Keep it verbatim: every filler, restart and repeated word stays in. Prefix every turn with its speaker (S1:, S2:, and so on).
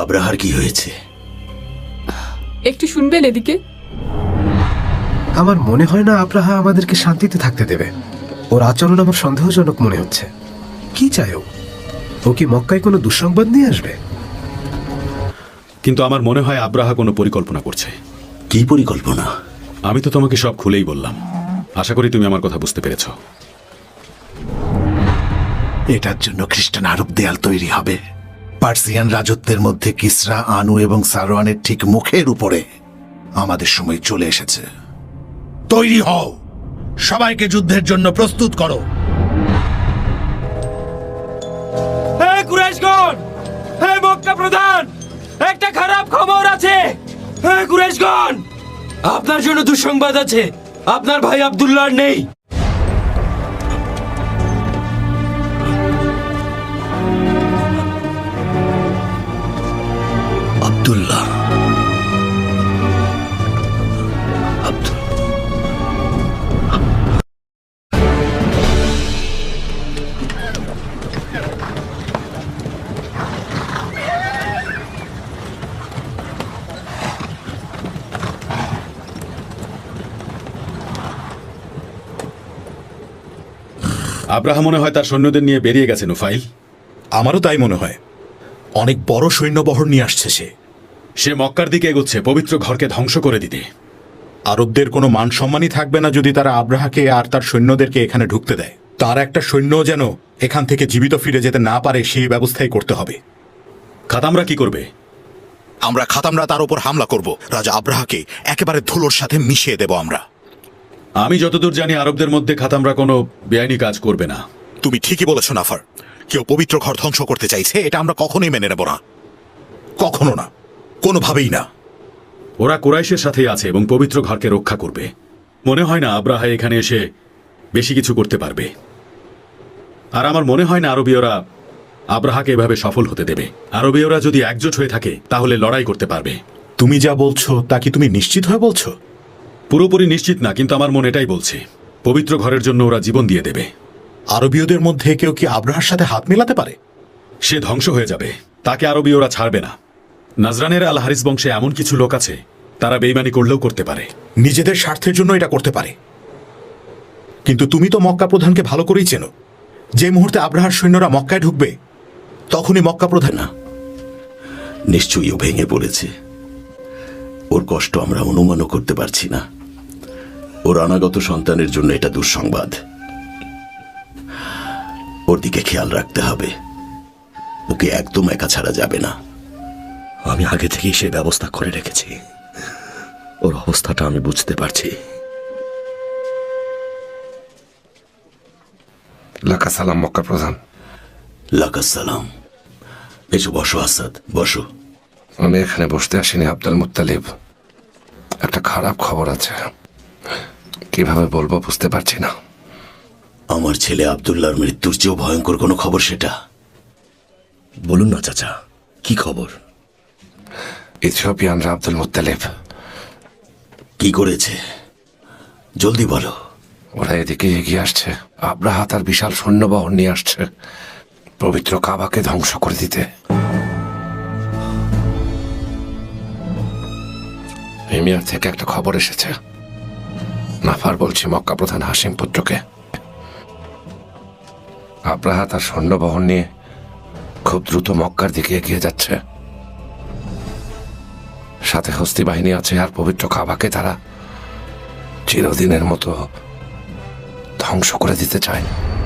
S1: আব্রাহার কি হয়েছে?
S2: একটু শুনবেন এদিকে।
S3: আমার মনে হয় না আব্রাহা আমাদেরকে শান্তিতে থাকতে দেবে। ওর আচরণ আমার সন্দেহজনক মনে হচ্ছে। কি চায় ও? ও কি মক্কায় কোনো দুঃসংবাদ নিয়ে আসবে?
S4: কিন্তু আমার মনে হয় আব্রাহা কোনো পরিকল্পনা করছে।
S1: কি পরিকল্পনা?
S4: আমি তো তোমাকে সব খুলেই বললাম। আশা করি তুমি আমার কথা বুঝতে পেরেছ।
S5: এটার জন্য খ্রিস্টান আরব দেয়াল তৈরি হবে। পার্সিয়ান রাজত্বের মধ্যে কিসরা, আনু এবং সারওয়ানের ঠিক মুখের উপরে আমাদের সময় চলে এসেছে। তৈরি হও, সবাইকে যুদ্ধের জন্য প্রস্তুত করো।
S6: হে কুরাইশগণ, হে মক্কা প্রধান, একটা খারাপ খবর আছে। হে কুরাইশগণ, আপনার জন্য দুঃসংবাদ আছে। আপনার ভাই আব্দুল্লাহ নেই।
S1: আব্দুল্লাহ আব্দুল
S4: আব্রাহা মনে হয় তার সৈন্যদের নিয়ে বেরিয়ে গেছে নুফাইল।
S7: আমারও তাই মনে হয়। অনেক বড় সৈন্যবহর নিয়ে আসছে সে।
S4: সে মক্কার দিকে এগোচ্ছে, পবিত্র ঘরকে ধ্বংস করে দিতে।
S7: আরবদের কোনো মান সম্মানই থাকবে না যদি তারা আব্রাহাকে আর তার সৈন্যদেরকে এখানে ঢুকতে দেয়। তার একটা সৈন্য যেন এখান থেকে জীবিত ফিরে যেতে না পারে সেই ব্যবস্থাই করতে হবে।
S4: খাতামরা কি করবে?
S7: আমরা খাতামরা তার উপর হামলা করব। রাজা আব্রাহাকে একেবারে ধুলোর সাথে মিশিয়ে দেব আমরা।
S4: আমি যতদূর জানি আরবদের মধ্যে খাতামরা কোনো বেআইনি কাজ করবে না।
S7: তুমি ঠিকই বলেছ নাফার। কেউ পবিত্র ঘর ধ্বংস করতে চাইছে, এটা আমরা কখনোই মেনে নেব না। কখনো না, কোনোভাবেই না।
S4: ওরা কুরাইশের সাথেই আছে এবং পবিত্র ঘরকে রক্ষা করবে। মনে হয় না আব্রাহা এখানে এসে বেশি কিছু করতে পারবে। আর আমার মনে হয় না আরবীয়রা আব্রাহাকে এভাবে সফল হতে দেবে। আরবীয়রা যদি একজোট হয়ে থাকে তাহলে লড়াই করতে পারবে।
S7: তুমি যা বলছো তা কি তুমি নিশ্চিত হয়ে বলছো?
S4: পুরোপুরি নিশ্চিত না, কিন্তু আমার মন এটাই বলছে। পবিত্র ঘরের জন্য ওরা জীবন দিয়ে দেবে।
S7: আরবীয়দের মধ্যে কেউ কি আব্রাহার সাথে হাত মেলাতে পারে?
S4: সে ধ্বংস হয়ে যাবে, তাকে আরবীয়রা ছাড়বে না। নাজরানের আল হারিস বংশে এমন কিছু লোক আছে, তারা বেইমানি করলেও করতে পারে।
S7: নিজেদের স্বার্থের জন্য এটা করতে পারে। কিন্তু তুমি তো মক্কা প্রধানকে ভালো করেই চেনো। যে মুহূর্তে আব্রাহার সৈন্যরা মক্কায় ঢুকবে তখনই মক্কা প্রধান
S1: না, নিশ্চয়ই ও ভেঙে পড়েছে। ওর কষ্ট আমরা অনুমানও করতে পারছি না। ওর অনাগত সন্তানের জন্য এটা দুঃসংবাদ। ওর দিকে খেয়াল রাখতে হবে। ওকে একদম একা ছাড়া যাবে না। আমি আগে থেকেই সে ব্যবস্থা করে রেখেছি। ওর অবস্থাটা আমি বুঝতে পারছি।
S3: লাকা সালাম মক্কা প্রধান।
S1: লাকা সালাম। এসো, বসো আসাদ, বসো।
S3: আমি এখানে বসতে আসিনি আব্দুল মুত্তালিব। একটা খারাপ খবর আছে, কিভাবে বলবো বুঝতে পারছি না।
S1: আমার ছেলে আব্দুল্লাহর মৃত্যুর চেয়েও ভয়ঙ্কর কোনো খবর সেটা। বলুন না চাচা, কি খবর?
S3: ইথিওপিয়ানরা আব্দুল মুত্তালিব
S1: কি করেছে? জলদি বলো।
S3: ওরা এদিকে এগিয়ে আসছে। আব্রাহা তার বিশাল সৈন্যবহর নিয়ে আসছে পবিত্র কাবাকে ধ্বংস করে দিতে। হিমিয়ার থেকে একটা খবর এসেছে। নাফার বলছি মক্কা প্রধান হাসিম পুত্রকে। আব্রাহা তার সৈন্যবহর নিয়ে খুব দ্রুত মক্কার দিকে এগিয়ে যাচ্ছে। সাথে হস্তি বাহিনী আছে, আর পবিত্র কাবাকে তারা চিরদিনের মতো ধ্বংস করে দিতে চায়।